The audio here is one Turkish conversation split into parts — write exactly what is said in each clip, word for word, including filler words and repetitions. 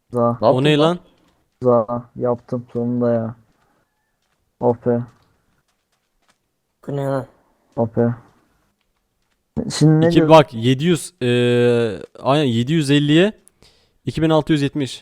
Za. Ne O yaptın ne lan? lan? Za. Yaptım sonunda ya. Ope. Bu ne lan? Ope. Şimdi ne İki, diyordun? bak yedi yüz eee aynen yedi yüz elliye iki bin altı yüz yetmiş.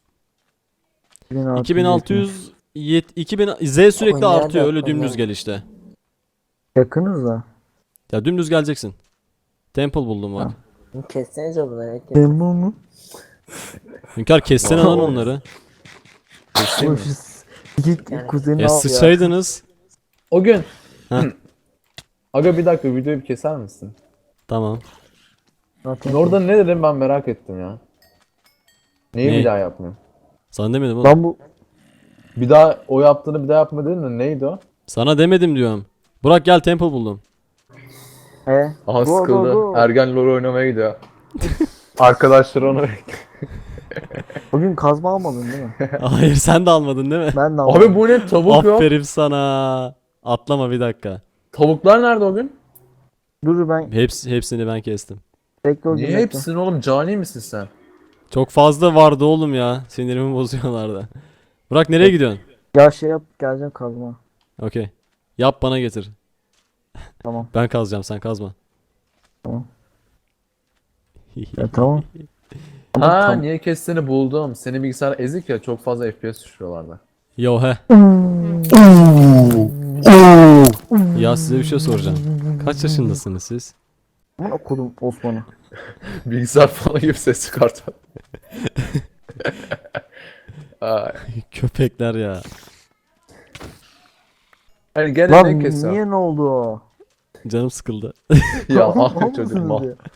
iki bin altı yüz yet iki bin Z sürekli Konya da artıyor, öyle Konya. dümdüz gel işte. Yakınız da. Ya dümdüz geleceksin. Temple buldum bak. Ha. Kessenize bunları. herkes. Ben bu mu? Hünkar kessene lan onları. Oğlum şu s- İki Yani- kuzenini Ya al ya. sıçaydınız. O gün. Heh. Aga bir dakika videoyu bir keser misin? Tamam. Zaten Orada ne dedim ben merak ettim ya. Neyi Ne? bir daha yapmıyorum? Sana demedim oğlum. Lan bu Bir daha o yaptığını bir daha yapma dedin de neydi o? Sana demedim diyorum. Burak gel temple buldum. he. Aha Go, sıkıldı. go, go. Ergen LoL oynamaya gidiyor. Arkadaşları onu Bugün kazma almadın değil mi? Hayır, sen de almadın değil mi? Ben de almadım. Abi bu ne tavuk yok. Aferin sana. Atlama bir dakika. Tavuklar nerede o gün? Dur ben Hepsi, hepsini ben kestim. bekle o gün Niye bekle. hepsini oğlum? Cani misin sen? Çok fazla vardı oğlum ya. Sinirimi bozuyorlardı. Burak nereye gidiyorsun? Ya şey yap geleceğim kazma. Okey. Yap bana getir. Tamam. Ben kazacağım, sen kazma. Tamam. Ya tamam. Ha tam- niye kestiğini buldum. Senin bilgisayar ezik ya, çok fazla F P S düşürüyorlardı. Yo he. Ya size bir şey soracağım. Kaç yaşındasınız siz? Aman okudum Osman'ı. Bilgisayar falan gibi ses çıkartıyor. Ay. Köpekler ya. Hani gene Lan ne kesiyor? niye ne oldu o? Canım sıkıldı. Ya Mal ah çocuk mısınız mal. ya?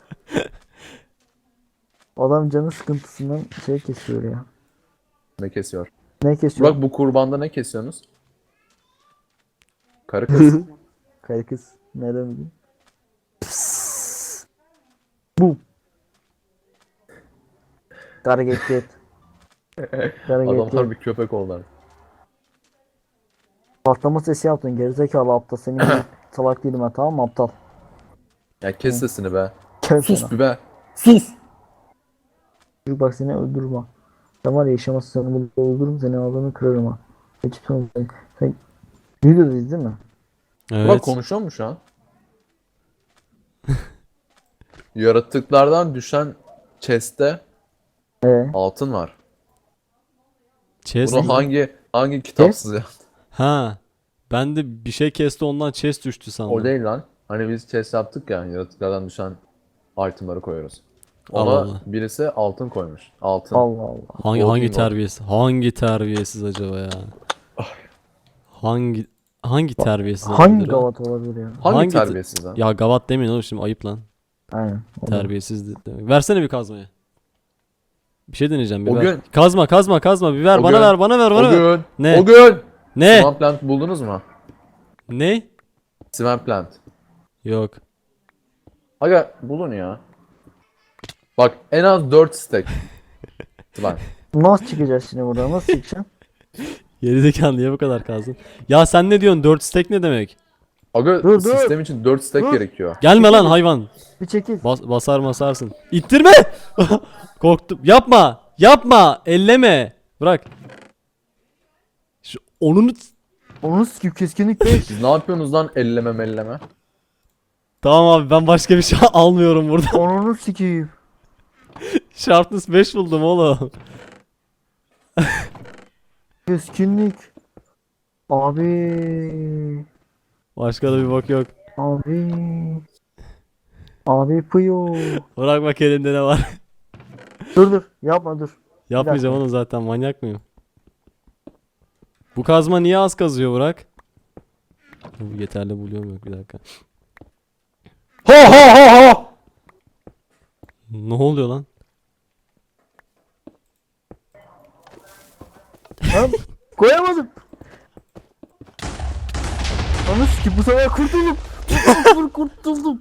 Adam canı sıkıntısından şey kesiyor ya. Ne kesiyor? Ne kesiyor? Burak bu kurbanda ne kesiyorsunuz? Karı kız. Kayı kız. Nereden bileyim? Psss. Bu. Kara get get. Kara get Adamlar get. bir köpek oldular. Patlama sesi yaptın gerizekalı aptal. Senin gibi salak değilim ben, tamam mı aptal? Ya kes sesini be. Kes Sus sana. bir be. Sus. Çocuk bak seni öldürürüm ha. Sen var ya yaşamazsın, seni burada öldürürüm, seni ağzını kırarım ha. Hiç sonra sen, sen videodayız değil mi? Burak Evet. konuşuyor mu şu an? Yaratıklardan düşen chest'te Ee, altın var. Chest Bunu mi? hangi hangi kitapsız ya? Ha. Ben de bir şey kesti, ondan chest düştü sandım. O değil lan. Hani biz chest yaptık ya, yaratıklardan düşen itemları koyuyoruz. Ona Allah Allah. birisi altın koymuş. Altın. Allah Allah. Hangi Gold hangi Ring terbiyesiz? Hangi terbiyesiz acaba ya? Hangi hangi terbiyesiz Hangi olabilir o? gavat olabilir ya? Hangi, hangi te- terbiyesiz lan? Ya gavat demeyin oğlum, şimdi ayıp lan. Aynen. o da. Terbiyesiz de- demek. Versene bir kazmayı. Bir şey deneyeceğim, bir O ver. gün- Kazma kazma kazma bir ver, O bana gün- ver bana ver O bana ver. gün, Ne? o gün Ne? Swamp Plant buldunuz mu? Ne? Swamp Plant. Yok. Aga bulun ya. Bak en az dört stack. Swamp. Nasıl çıkacağız şimdi buradan? Nasıl çıkacaksın? Gerizekalı, niye bu kadar kazdın? Ya sen ne diyorsun? dört stack ne demek? Aga Dur, dur. sistem için dört stack Dur. gerekiyor. Gelme lan hayvan. Bir çekil. Bas, basar basarsın. İttirme. Korktum. Yapma. Yapma. Elleme. Bırak. Şu onunu... Onu sikip keskinlik beş. Siz ne yapıyorsunuz lan elleme melleme? Tamam abi, ben başka bir şey almıyorum burada. Onu sikip. Sharpness beş buldum oğlum. Keskinlik. Abi. Başka da bir bak yok. Abi. Abi pıyo. Bırak bak elinde ne var. Dur dur. Yapma dur. Yapmayacağım onu zaten, manyak mıyım? Bu kazma niye az kazıyor Burak? Bu yeterli buluyorum, yok bir dakika. Ha ha ha ha! Ne oluyor lan? Lan koyamadım. Onu sikip bu sefer kurtuldum. Kurtuldum kurtuldum.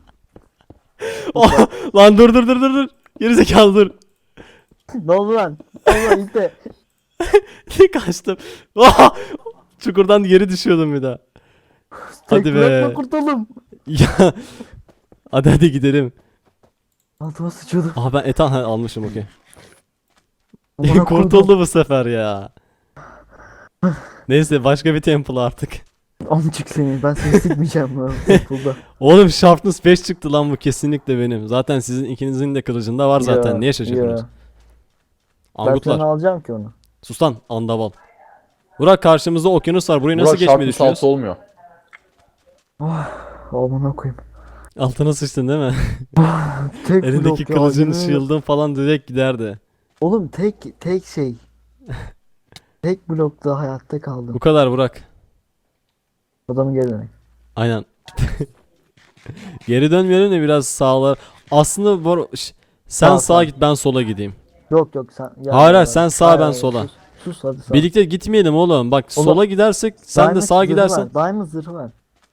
Lan dur dur dur dur dur. Gerizekalı dur. Ne oldu lan? Allah işte. Kaçtım. Çukurdan geri düşüyordum bir daha. Hadi Tek be. bırakma kurtuldum. Ya. Hadi hadi gidelim. Altıma sıçıyordum. Aa ben etan ha, almışım, okey. Amına koydum. Kurtuldu bu sefer ya. Neyse başka bir temple artık. Amcık seni. Ben seni sikmeyeceğim lan. Temple'da. Oğlum Sharpness beş çıktı lan, bu kesinlikle benim. Zaten sizin ikinizin de kılıcında var zaten. Ya, Niye şaşırdınız? ya. Ben sana Angutlar. alacağım ki onu. Sus lan andaval. Burak karşımızda okyanus var. Burayı nasıl Burak geçmeyi Sharpness düşünüyoruz? altı olmuyor. Amına koyayım. Altına sıçtın değil mi? Tek Elindeki blok ya, kılıcın, yemin ederim. shield'ın falan direkt giderdi. Oğlum tek tek şey. Tek blokta hayatta kaldım. Bu kadar Burak. Adamın geri dönek. Aynen. Geri dönmeyelim de biraz sağlar. Aslında bu ş- sen Sağ, sağa sağ. git, ben sola gideyim. Yok yok sen. Ya, Hayır, ya, hayır, sen sağ, hayır, ben hayır, sola. Sus, sus hadi sağ. Birlikte gitmeyelim oğlum. Bak Oğlum, sola gidersek sen de Diamond sağa zırhı gidersen. Var. Diamond zırhı var.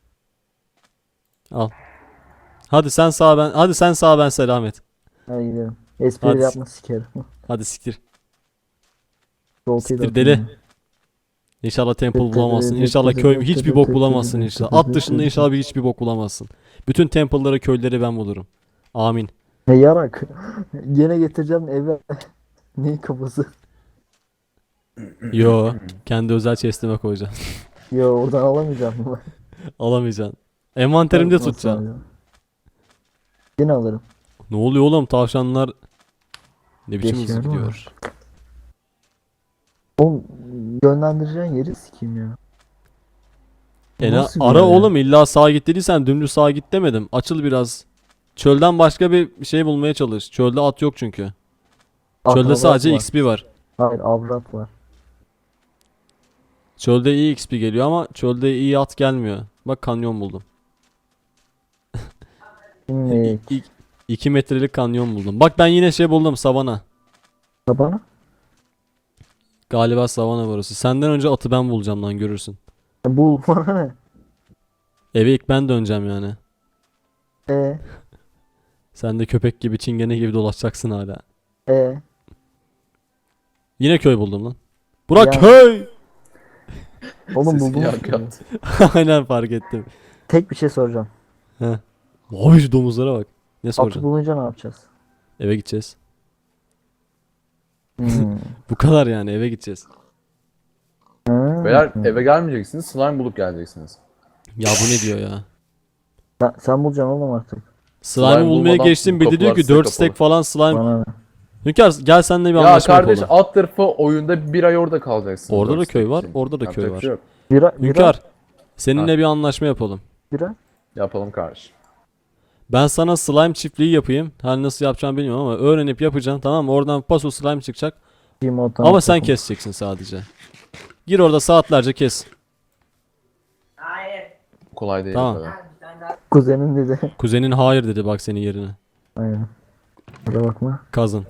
Al. Hadi sen sağ, ben hadi sen sağ, ben selamet. Hadi gidelim. Espri Hadi. yapma sikerim. Hadi siktir. Voltayı da Siktir atayım deli. ya. İnşallah temple bulamazsın. İnşallah köy hiçbir bok bulamazsın inşallah. At dışında inşallah bir hiçbir bok bulamazsın. Bütün temple'ları, köyleri ben bulurum. Amin. Ne yarak. Yine getireceğim eve. Neyin kafası? Yo, kendi özel chest'ime koyacağım. Yo oradan alamayacağım bunu. Alamayacaksın. Envanterimde Nasıl tutacağım. alacağım? Yine alırım. Ne oluyor oğlum, tavşanlar ne biçim hızlı Geçiyor, değil mi? gidiyor. Oğlum yönlendireceğin yeri sikeyim ya. Bu E ne- nasıl bir ara yer ya? oğlum, illa sağa git dediysen dümdüz sağa git demedim. Açıl biraz. Çölden başka bir şey bulmaya çalış. Çölde at yok çünkü. Çölde Avrat sadece var. X P var. Hayır avrat var. Çölde iyi X P geliyor ama çölde iyi at gelmiyor. Bak kanyon buldum. Şimdi iki metrelik kanyon buldum. Bak ben yine şey buldum, savana. tabana. Galiba savana burası. Senden önce atı ben bulacağım lan, görürsün. E, bul bana ne? Eve ilk ben döneceğim yani. E Sen de köpek gibi, çingene gibi dolaşacaksın hala. e Yine köy buldum lan. Burak Ya. köy! Oğlum Sesi buldum. yankı yaptı. Aynen, fark ettim. Tek bir şey soracağım. He. Abi şu domuzlara bak. Ne Atı soracaksın? bulunca ne yapacağız? Eve gideceğiz. Hmm. Bu kadar yani, eve gideceğiz. Ha. Beyler eve gelmeyeceksiniz, slime bulup geleceksiniz. Ya bu ne diyor ya? Sen, sen bulacaksın oğlum artık. Slime'ı Slime bulmaya bulmadan geçtim, bir de diyor kapılar ki size dört kapalı. stack falan slime. Bana ne? Hünkar gel seninle bir Ya anlaşma kardeş, yapalım. alt tarafı oyunda bir ay orada kalacaksın. Orada da dört köy stack var, için. orada da köy Yapacak var. bir şey yok. Bira, bira, Hünkar seninle bir anlaşma yapalım. bira. Yapalım kardeş. Ben sana slime çiftliği yapayım. Hani nasıl yapacağım bilmiyorum ama öğrenip yapacağım, tamam mı? Oradan paso slime çıkacak. Limon, Ama sen keseceksin sadece. Gir orada saatlerce kes. Kolay değil Tamam. o kadar. Kuzenin dedi. Kuzenin hayır dedi bak senin yerine. Aynen. Kusura bakma. Kazın.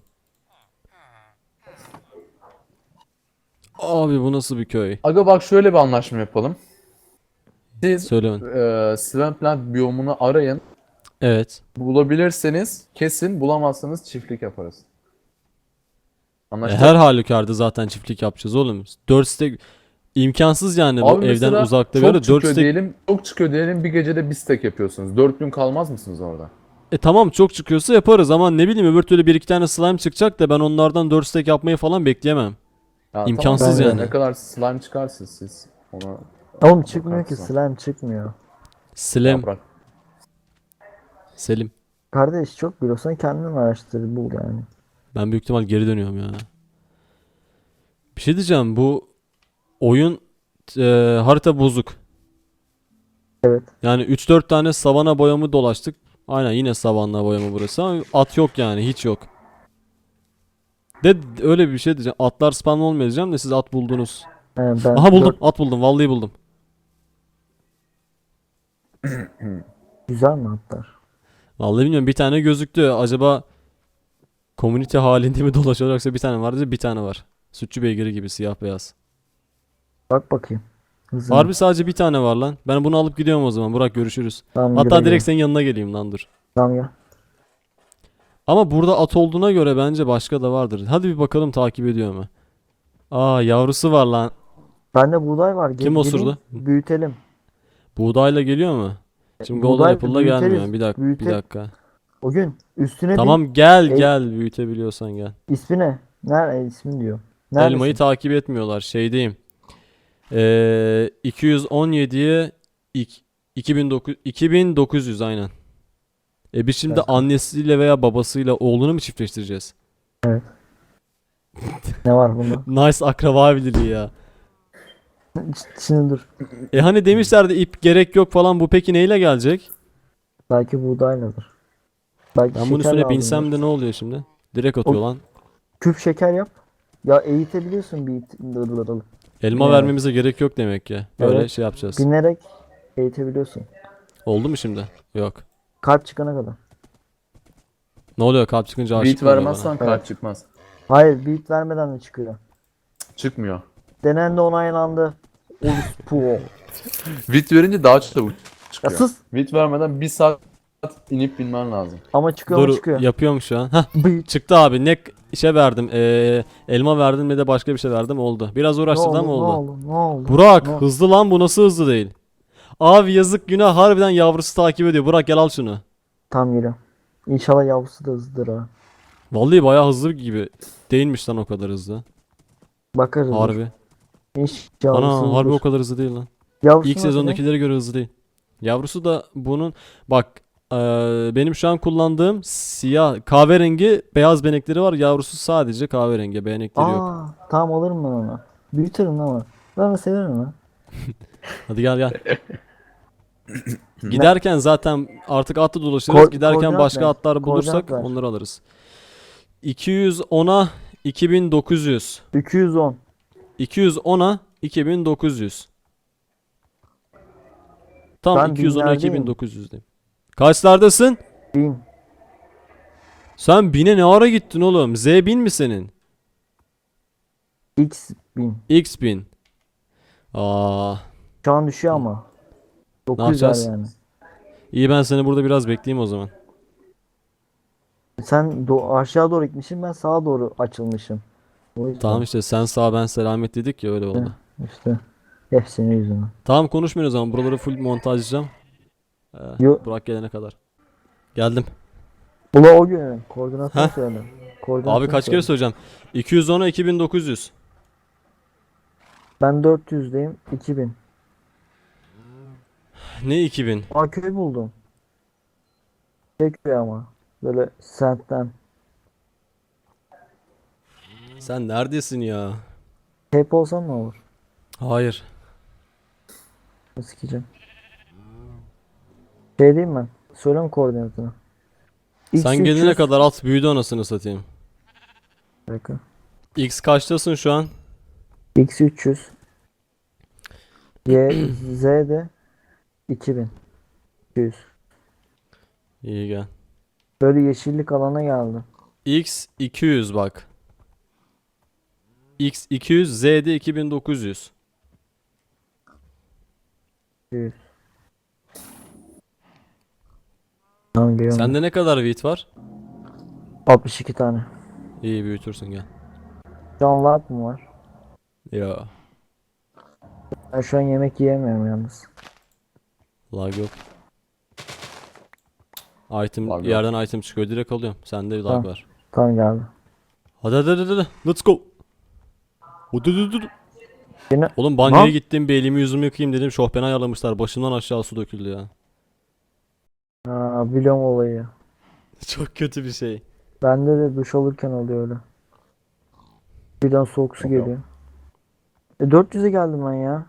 Abi bu nasıl bir köy? Aga bak şöyle bir anlaşma yapalım. Siz Söyle bana. e, Swampland biyomunu arayın. Evet. Bulabilirseniz kesin, bulamazsanız çiftlik yaparız. E, Anlaştık. her halükarda zaten çiftlik yapacağız oğlum. dört stack imkansız yani, bu Abi evden mesela uzakta bir çok yerde dört çıkıyor stack. diyelim, çok çıkıyor diyelim, bir gecede bir stack yapıyorsunuz. dört gün kalmaz mısınız orada? E tamam, çok çıkıyorsa yaparız ama ne bileyim, öbür türlü bir iki tane slime çıkacak da ben onlardan dört stack yapmayı falan bekleyemem. Ya İmkansız tamam, yani. Ne kadar slime çıkarsınız siz ona Oğlum çıkmıyor ki bakarsın. slime çıkmıyor. Slem. yaprak. Selim. Kardeş çok biliyorsan kendin araştır bul yani. Ben büyük ihtimal geri dönüyorum ya. Bir şey diyeceğim, bu oyun e, harita bozuk. Evet. Yani üç dört tane savana boyamı dolaştık. Aynen, yine savanna boyamı burası ama at yok yani, hiç yok. De öyle bir şey diyeceğim. Atlar spam olmuyor diyeceğim de siz at buldunuz. He, ben Aha buldum, dört- at buldum, vallahi buldum. Güzel mi atlar? Vallahi bilmiyorum, bir tane gözüktü. Acaba community halinde mi dolaşıyor, yoksa bir tane vardı, bir tane var. Sütçü beygiri gibi siyah beyaz. Bak bakayım. Hızlı. Harbi sadece bir tane var lan. Ben bunu alıp gidiyorum o zaman. Burak görüşürüz. Tamam, Hatta güle direkt güle. senin yanına geleyim lan, dur. Tamam ya. Ama burada at olduğuna göre bence başka da vardır. Hadi bir bakalım takip ediyor mu? Aa, yavrusu var lan. Bende buğday var. Gel- Kim osurdu? gelin, Büyütelim. Buğdayla geliyor mu? Şimdi Golden Buğday Apple'la büyüteriz, gelmiyor. Bir dakika, bir büyüte- dakika. O gün üstüne bin. Tamam gel Ey- gel, büyütebiliyorsan gel. İsmi ne? Nerede ismi diyor. Neredesin? Elmayı takip etmiyorlar. Şeydeyim. Ee, iki yüz on yediye ik- iki bin dokuz iki bin dokuz yüz aynen. E biz şimdi Evet. annesiyle veya babasıyla oğlunu mu çiftleştireceğiz? Ne var bunda? Nice akraba birliği ya. Şimdi dur. E hani demişlerdi ip gerek yok falan, bu peki neyle gelecek? Belki buğdayladır. Belki Ben bunun şeker üstüne lazımdır. binsem de ne oluyor şimdi? Direkt atıyor O- lan. Küp şeker yap. Ya eğitebiliyorsun bir it- dır dır dır. Elma Evet. vermemize gerek yok demek ki. Böyle Evet. şey yapacağız. Binerek eğitebiliyorsun. Oldu mu şimdi? Yok. Kalp çıkana kadar. Ne oluyor, kalp çıkınca aşık Beat mı oluyor bana? vermezsen kalp çıkmaz. Hayır, beat vermeden de çıkıyor. Çıkmıyor. Denendi, onaylandı. Orospu. Beat verince daha çabuk Ya çıkıyor. sus. Beat vermeden bir saat inip binmen lazım. Ama çıkıyor ama Dur, çıkıyor. yapıyorum şu an. Hah, Beat. çıktı abi. Ne şey verdim. Ee, elma verdim ve de başka bir şey verdim, oldu. Biraz Ne uğraştırdı oldu, ama ne oldu. oldu, ne oldu? Burak, Ne oldu? hızlı lan, bu nasıl hızlı değil? Abi yazık, günah, harbiden yavrusu takip ediyor. Burak gel al şunu. Tam geliyor. İnşallah yavrusu da hızlıdır ha. Vallahi bayağı hızlı gibi. Değilmiş lan o kadar hızlı. Bakarız. dur. Harbi. İnşallah Ana hızlıdır. harbi o kadar hızlı değil lan. Yavrusu İlk nasıl ne? sezondakilere göre hızlı değil. Yavrusu da bunun bak, eee, benim şu an kullandığım siyah kahverengi beyaz benekleri var. Yavrusu sadece kahverengi, benekleri yok. Aa, tamam alırım ben onu. Büyütürüm ama. Ben de severim ha. Hadi gel gel. Giderken zaten artık atla dolaşırız. Ko- Giderken koordinat başka ver. atlar bulursak Koordinat ver. onları alırız. iki yüz ona iki bin dokuz yüz. iki yüz on. iki yüz ona iki bin dokuz yüz. Tam Ben iki yüz ona binlerdeyim. iki bin dokuz yüzdeyim. Kaçlardasın? bin. Sen bine ne ara gittin oğlum? Z bin mi senin? X bin. X bin. Aa, Şu an düşüyor ama. dokuz yüz yapacağız? yani. iyi, ben seni burada biraz bekleyeyim o zaman. Sen do- aşağı doğru gitmişsin, ben sağa doğru açılmışım. O yüzden Tamam işte, sen sağ ben selamet dedik ya, öyle oldu. işte. Hep senin yüzünden. Tamam, konuşmuyoruz o zaman. Buraları full montajlayacağım. Ee, Yo- Burak gelene kadar. Geldim. Ula o gün koordinatını Heh. söyle. Koordinatını Abi kaç söyle. kere söyleyeceğim. iki yüz ona iki bin dokuz yüz. Ben dört yüzdeyim. iki bin. Ne iki bin? Aa, köy buldum. Şey köy ama. Böyle sentten. Sen neredesin ya? Hep olsan ne olur? Hayır. Sikeceğim. Şey diyeyim ben. Söyle mi koordinatını? Sen X üç yüz. gelene kadar at büyüdü, anasını satayım. Bir dakika. X kaçtasın şu an? X üç yüz. Y, Z de iki bin. iki yüz. İyi, gel. Böyle yeşillik alana geldi. X iki yüz bak. X iki yüz, Z'de iki bin dokuz yüz. iki yüz. Tamam geliyorum. Sende ne kadar wheat var? altmış iki tane. İyi, büyütürsün, gel. Can lag mı var? Ya, Ben şu an yemek yiyemiyorum yalnız. lag yok. Item Lag yok. yerden item çıkıyor, direkt alıyorum. Sende lag Tamam. var. Tamam geldi. Hadi hadi hadi hadi. Let's go. Hadi hadi hadi. Yine Oğlum banyoya Lan. gittim, bir elimi yüzümü yıkayayım dedim. Şofbeni ayarlamışlar. Başımdan aşağı su döküldü ya. Aa, biliyorum olayı. Çok kötü bir şey. Bende de duş alırken oluyor öyle. Birden soğuk su geliyor. E dört yüze geldim ben ya.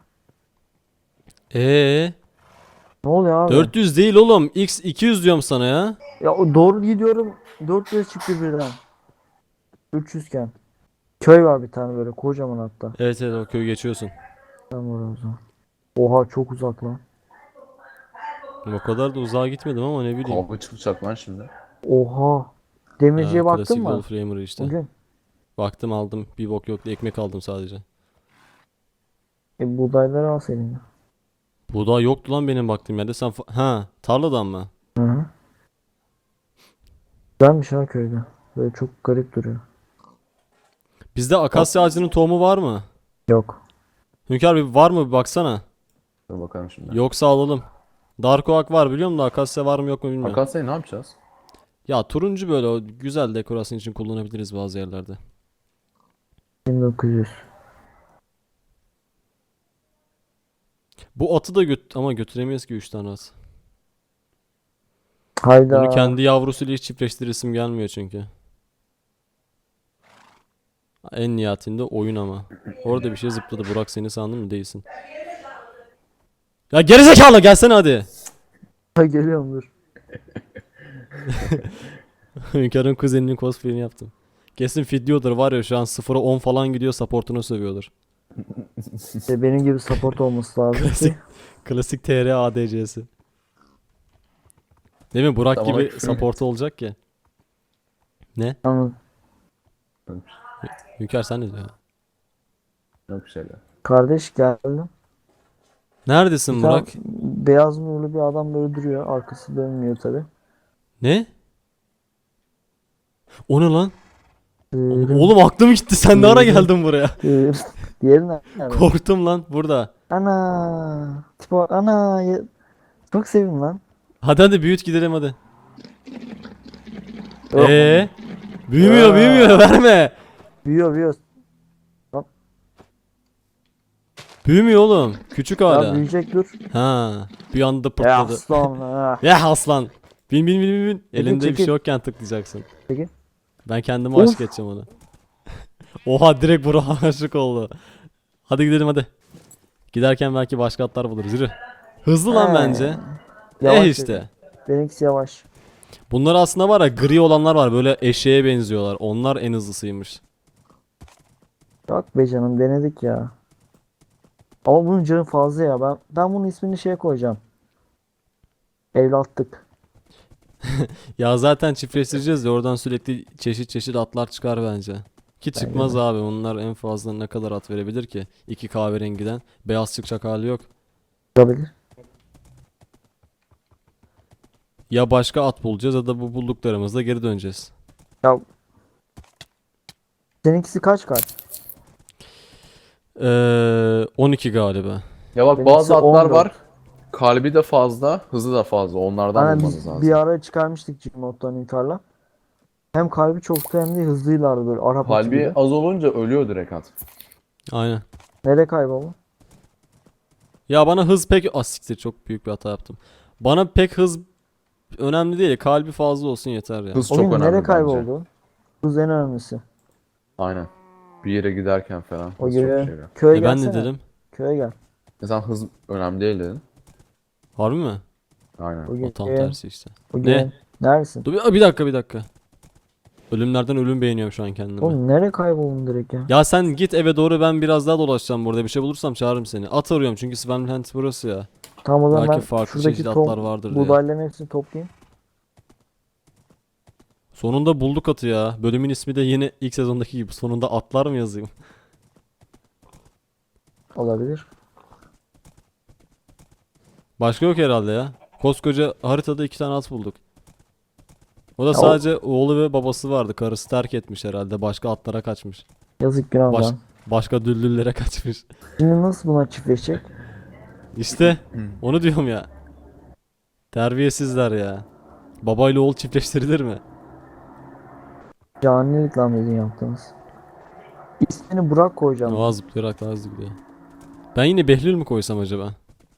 Ee, Ne oluyor abi? dört yüz değil oğlum. X iki yüz diyorum sana ya. Ya o doğru gidiyorum. dört yüze çıktı birden. üç yüz iken. Köy var bir tane böyle kocaman hatta. Evet evet, o köyü geçiyorsun. Ben var o zaman. Oha çok uzak lan. O kadar da uzağa gitmedim ama ne bileyim. Kavga çıkacak lan şimdi. Oha. Demirciye Ha, baktın klasik mı? Wolframer'ı işte. Bugün. Baktım, aldım. Bir bok yoktu. Ekmek aldım sadece. E buğdayları al senin ya. Buğday yoktu lan benim baktığım yerde. Sen fa- ha, tarladan mı? Hı hı. Güzelmiş ha köyde. Böyle çok garip duruyor. Bizde akasya ağacının tohumu var mı? Yok. Hünkar, bir var mı bir baksana. Dur bakalım şimdi. Yoksa alalım. Dark Oak var biliyor musun da akasya var mı yok mu bilmiyorum. Akasya'yı ne yapacağız? Ya turuncu böyle, o güzel dekorasyon için kullanabiliriz bazı yerlerde. bin dokuz yüz. Bu atı da göt ama götüremeyiz ki üç tane at. Hayda. Bunu kendi yavrusuyla hiç çiftleştiresim gelmiyor çünkü. En nihayetinde oyun ama. Orada bir şey zıpladı. Burak seni sandın mı? Değilsin. Ya gerizekalı gelsene hadi. Ha, geliyorum dur. Hünkâr'ın kuzeninin cosplay'ini yaptım. Kesin fidyodur var ya şu an sıfıra on falan gidiyor supportunu sövüyordur. İşte benim gibi support olması lazım Klasik. ki. Klasik T R A D C'si. Değil mi? Burak Tamam, gibi küfür support olacak ki. Ne? Anladım. Hünkâr sen ne diyorsun? Yok bir şeyler. Kardeş geldim. Neredesin Bir tane Burak? beyaz nurlu bir adam böyle duruyor. Arkası dönmüyor tabi. Ne? O ne lan? Dırım, Oğlum aklım gitti. Sen ne ara geldin buraya? dırım. Diğeri nerede? Korktum lan burada. Ana. Tipo ana. ya- Çok sevdim lan. Hadi hadi büyüt gidelim hadi. Yok. Ee? Büyümüyor Aa. büyümüyor verme. Büyüyor büyüyor. Büyümüyor oğlum. Küçük Ya hala. büyüyecek dur. Ha. Bir anda Ya pırtladı. aslan. Ha. Ya aslan. Bin bin bin bin bin. Çekil, Elinde bir çekil. şey yokken tıklayacaksın. Çekil. Ben kendime Of. aşık edeceğim onu. Oha direkt Burak'a aşık oldu. Hadi gidelim hadi. Giderken belki başka atlar buluruz. Yürü. Hızlı lan He. bence. Yavaş Eh dedi. işte. Benimkisi yavaş. Bunlar aslında var ya gri olanlar var. Böyle eşeğe benziyorlar. Onlar en hızlısıymış. Yok be canım denedik ya. Ama bunun canı fazla ya. Ben ben bunun ismini şeye koyacağım. Evlatlık. Ya zaten çiftleştireceğiz de oradan sürekli çeşit çeşit atlar çıkar bence. Ki çıkmaz abi. Onlar en fazla ne kadar at verebilir ki? İki kahverengiden. Beyaz çıkacak hali yok. Olabilir. Ya başka at bulacağız ya da bu bulduklarımızla geri döneceğiz. Ya seninkisi kaç kaç? Ee, on iki galiba. Ya bak Benimkisi bazı atlar on dört. var. Kalbi de fazla, hızı da fazla. Onlardan Hani bulmanız biz lazım. bir ara çıkarmıştık Gmod'dan Inkar'la. Hem kalbi çoktu hem de hızlıylardı böyle Arap atı Kalbi gibi. az olunca ölüyor direkt at. Aynen. Nereye kayboldu? Ya bana hız pek... Ah siktir çok büyük bir hata yaptım. Bana pek hız önemli değil. Kalbi fazla olsun yeter ya. Hız O çok gün önemli nereye bence. kayboldu? Hız en önemlisi. Aynen. Bir yere giderken falan. O hız çok göre şey ya. köye E ben gelsene. ne dedim? Köye gel. Mesela hız önemli değil dedin. Harbi mi? Aynen. O O gün tam köye- tersi işte. o Ne? gün- Neredesin? Dur bir, bir dakika bir dakika. Ölümlerden ölüm beğeniyorum şu an kendimi. Oğlum nereye kayboldun direkt ya? Ya sen git eve doğru, ben biraz daha dolaşacağım burada. Bir şey bulursam çağırırım seni. At arıyorum çünkü Swampland burası ya. Tamam o zaman Belki ben farklı şuradaki çeşitli tom, atlar vardır diye. buğdayların hepsini toplayayım. Sonunda bulduk atı ya. Bölümün ismi de yine ilk sezondaki gibi. Sonunda atlar mı yazayım? Olabilir. Başka yok herhalde ya. Koskoca haritada iki tane at bulduk. O da Ya o- sadece oğlu ve babası vardı. Karısı terk etmiş herhalde. Başka atlara kaçmış. Yazık günah Baş, lan. başka düllüllere kaçmış. Şimdi nasıl buna çiftleşecek? İşte onu diyorum ya. Terbiyesizler ya. Babayla oğul çiftleştirilir mi? Canilik lan bizim yaptığımız. İsmini Burak koyacağım. Oha zıplayarak daha hızlı gidiyor. Ben yine Behlül mü koysam acaba?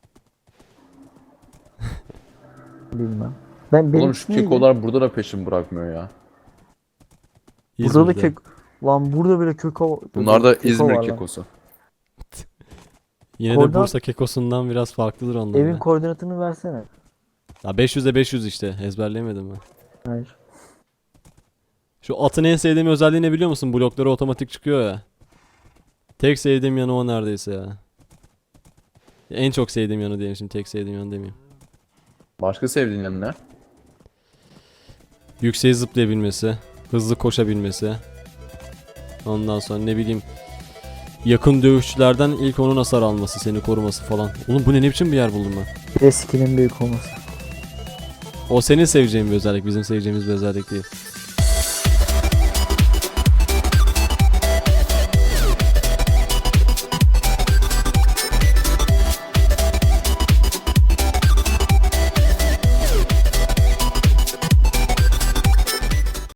Bilmem. Ben benim Oğlum şu neydi? kekolar burada da peşin bırakmıyor ya. Burada da İzmir'de. kek... Lan burada bile keko... Bunlar da keko İzmir var lan. kekosu. Yine de Koordinat- Bursa kekosundan biraz farklıdır onlar. Evin ya. koordinatını versene. Ya beş yüze beş yüz işte. Ezberleyemedim ben. Hayır. Şu atın en sevdiğim özelliği ne biliyor musun? Blokları otomatik çıkıyor ya. Tek sevdiğim yanı o neredeyse ya. En çok sevdiğim yanı diyeyim şimdi. Tek sevdiğim yanı demeyeyim. Başka sevdiğin yanı ne? Yükseğe zıplayabilmesi. Hızlı koşabilmesi. Ondan sonra ne bileyim. Yakın dövüşçülerden ilk onun hasar alması. Seni koruması falan. Oğlum bu ne, ne biçim bir yer buldum ben. Bir de skill'in büyük olması. O senin seveceğin bir özellik. Bizim seveceğimiz bir özellik değil.